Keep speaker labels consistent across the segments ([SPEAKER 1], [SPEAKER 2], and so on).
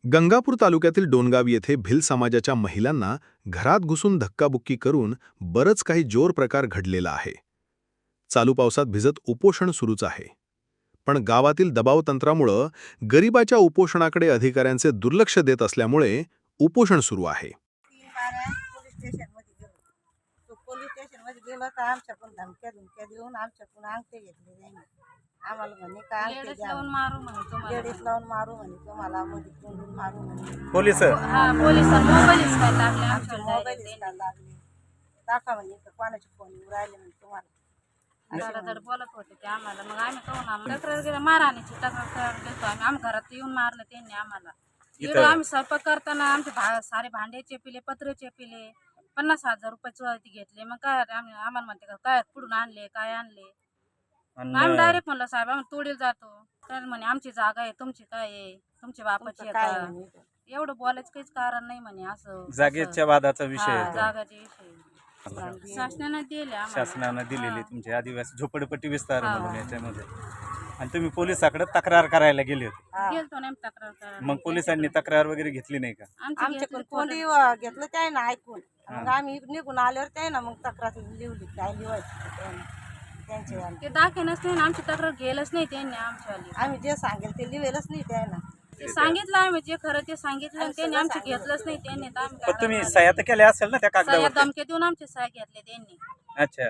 [SPEAKER 1] गंगापूर तालुक्यातील डोनगाव येथे भिल समाजाच्या महिलांना घरात घुसून धक्काबुक्की करून बरंच काही जोर प्रकार घडलेला आहे. चालू पावसात भिजत उपोषण सुरूच आहे. पण गावातील दबावतंत्रामुळं गरिबाच्या उपोषणाकडे अधिकाऱ्यांचे दुर्लक्ष देत असल्यामुळे उपोषण सुरू आहे.
[SPEAKER 2] 3 बाऱ्या पोलीस स्टेशनमध्ये गेलो. तो पोलीस स्टेशनमध्ये गेलो तर आमच्याकडून धमक्या देऊन आमच्याकडून अंगठे घेतले त्यांनी. आम्हाला म्हणे का अंगठे
[SPEAKER 3] लेडीज
[SPEAKER 2] द्या,
[SPEAKER 3] लावून मारू म्हणे तुम्हाला.
[SPEAKER 2] लेडीज लावून मारू म्हणे, तुम्हाला मध्ये तोंडून मारू म्हणे.
[SPEAKER 4] पोलीस
[SPEAKER 3] हा पोलीस मोबाईल हिसकायला लागले
[SPEAKER 2] आमचे
[SPEAKER 3] आमच्या
[SPEAKER 2] मोबाईल
[SPEAKER 3] direct.
[SPEAKER 2] हिसकायला लागले. दाखवा म्हणे इथं कोणाचे फोन येऊ राहिले म्हणे तुम्हाला.
[SPEAKER 3] धडाधड बोलत होते ते आम्हाला. मग आम्ही कहून आम्हाला तक्रार गेला मारहाणीची तक्रार देतो आम्ही. आम्ही घरात येऊन मारलं त्यांनी आम्हाला. इकडं आम्ही स्वयंपाक करताना आमचे सारे भांडे चेपिले, पत्रे चेपिले, 50,000 रुपये चोरी घेतले. मग काय आम्हाला म्हणते का काय कुठून आणले, काय आणले. मग आम्ही डायरेक्ट म्हणलं साहेब आम्ही तोडील जातो. तर म्हणे आमची जागा आहे, तुमची काय आहे, तुमच्या बापाची
[SPEAKER 2] तुमचं
[SPEAKER 3] आहे
[SPEAKER 2] काय
[SPEAKER 3] का?
[SPEAKER 2] म्हणे.
[SPEAKER 3] एवढं बोलायचं काहीच कारण नाही म्हणे. असं
[SPEAKER 4] जागेच्या वादाचा विषय
[SPEAKER 3] हा,
[SPEAKER 4] आहे तो.
[SPEAKER 3] जागाचे विषय शासनाने दिले आम्हाला.
[SPEAKER 4] शासनानं दिलेली तुमची आदिवासी झोपडपट्टी विस्तार
[SPEAKER 3] हा.
[SPEAKER 4] म्हणून याच्यामध्ये. आणि तुम्ही पोलिसाकडे तक्रार करायला गेले होते.
[SPEAKER 2] हा.
[SPEAKER 3] गेलतो ना आम्ही तक्रार करायला.
[SPEAKER 4] मग पोलिसांनी तक्रार वगैरे घेतली नाही का?
[SPEAKER 3] आमची
[SPEAKER 2] आमच्याकडून
[SPEAKER 3] घेतली
[SPEAKER 2] कोणी
[SPEAKER 3] कोर्टात.
[SPEAKER 2] घेतलं त्याने ना ऐकून. मग आम्ही निघून आल्यावर त्याने ना मग तक्रार लिहिली, काय लिहायची त्याने त्यांचे आम्ही.
[SPEAKER 3] ते दाखवणच नाही ना, आमची तक्रार गेलच नाही त्यांनी आमच्यावाली.
[SPEAKER 2] आम्ही जे सांगेल ते लिहिलंच नाही त्याने.
[SPEAKER 3] ते सांगितलं आम्ही जे खरं ते सांगितलं आणि त्यांनी आमची घेतलंच नाही. त्यांनी तर आम्ही
[SPEAKER 4] पण तुम्ही सह्या तर केल्या असेल ना त्या
[SPEAKER 3] सह्या
[SPEAKER 4] कागदावर?
[SPEAKER 3] धमक्या देऊन आमचे सह्या घेतले त्यांनी.
[SPEAKER 4] अच्छा.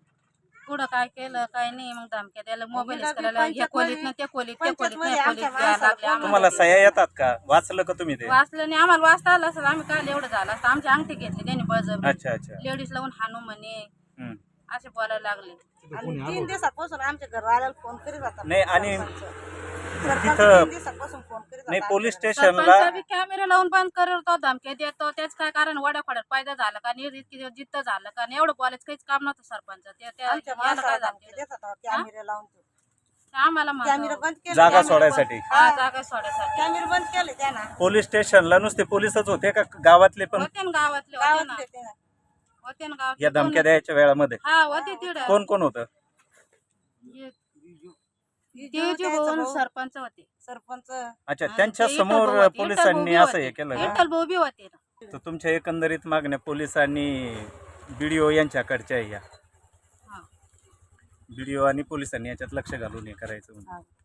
[SPEAKER 3] पुढं काय केलं काय नाही. मग धमक्या द्यायला मोबाईल
[SPEAKER 2] हिला बी
[SPEAKER 3] करायला ह्या
[SPEAKER 2] पंचायत
[SPEAKER 3] खोलीत
[SPEAKER 2] मध्ये-
[SPEAKER 3] ना त्या खोलीत, त्या
[SPEAKER 2] पंचायत
[SPEAKER 3] खोलीत
[SPEAKER 2] मध्ये
[SPEAKER 3] त्या खोलीत
[SPEAKER 2] आमच्या
[SPEAKER 3] द्यायला
[SPEAKER 2] माणसाला
[SPEAKER 3] लागले आम्हाला.
[SPEAKER 4] तुम्हाला सह्या येतात का? वाचलं का तुम्ही ते?
[SPEAKER 3] वाचलं नाही. आम्हाला वाचता आलं असेल आम्ही काय एवढं झालं असतं. आमचे अंगठी घेतले त्यांनी बळजबरी.
[SPEAKER 4] अच्छा अच्छा.
[SPEAKER 3] लेडीज लावून हाणू म्हणे
[SPEAKER 4] हम्म.
[SPEAKER 3] असे बोलायला लागले.
[SPEAKER 2] आणि 3 दिवसापासून आमच्या घरवाल्याला फोन करीत होता.
[SPEAKER 4] नाही, आणि
[SPEAKER 2] सरपंच
[SPEAKER 4] तिथं-
[SPEAKER 2] 3 दिवसापासून फोन करीत
[SPEAKER 4] नाही,
[SPEAKER 2] होता
[SPEAKER 4] पोलीस
[SPEAKER 2] आमच्या
[SPEAKER 4] स्टेशनला
[SPEAKER 3] सरपंच बी कॅमेरा लावून बंद करतो, धमक्या देतो. त्याच काय कारण वड्याखोड्यात फायदा झाला का नाही, इतकी दिवस जिद्द झालं का नाही, एवढं बोलायचं काहीच काम नव्हतं सरपंच.
[SPEAKER 2] घरात. आमच्या
[SPEAKER 3] याला काय
[SPEAKER 2] माणसाला
[SPEAKER 3] झालं
[SPEAKER 2] धमकी देत होता कॅमेरे लावून. तो
[SPEAKER 3] आम्हाला
[SPEAKER 2] कॅमेरा
[SPEAKER 3] म्हणतो.
[SPEAKER 2] बंद केले.
[SPEAKER 4] जागा
[SPEAKER 2] कॅमेरा
[SPEAKER 4] सोडायसाठी.
[SPEAKER 2] बंद-
[SPEAKER 3] हा,
[SPEAKER 2] हा,
[SPEAKER 3] जागा सोडायसाठी.
[SPEAKER 2] कॅमेरे बंद केले त्यानं.
[SPEAKER 4] पोलीस स्टेशनला नुसते पोलीसच होते का गावातले पण?
[SPEAKER 3] होते ना गावातले, होते ना
[SPEAKER 2] गावातले त्यानं.
[SPEAKER 3] होते ना गावातले.
[SPEAKER 4] या धमक्या द्यायच्या वेळामध्ये
[SPEAKER 3] हा होते तिकडं.
[SPEAKER 4] कोण कोण होतं?
[SPEAKER 3] ते जे भाऊ सरपंच होते.
[SPEAKER 2] सरपंच
[SPEAKER 4] अच्छा,
[SPEAKER 3] हा,
[SPEAKER 4] त्यांच्या
[SPEAKER 3] ते विठ्ठल
[SPEAKER 4] समोर
[SPEAKER 3] भाऊ होते.
[SPEAKER 4] पोलिसांनी
[SPEAKER 3] विठ्ठल भाऊ
[SPEAKER 4] असं हे
[SPEAKER 3] होते.
[SPEAKER 4] केलं का?
[SPEAKER 3] विठ्ठल भाऊ बी होते ना.
[SPEAKER 4] तर तुमच्या एकंदरीत मागण्या पोलिसांनी BDO यांच्याकडच्या या
[SPEAKER 3] हा.
[SPEAKER 4] BDO आणि पोलिसांनी याच्यात लक्ष घालून हे करायचं.
[SPEAKER 2] हा.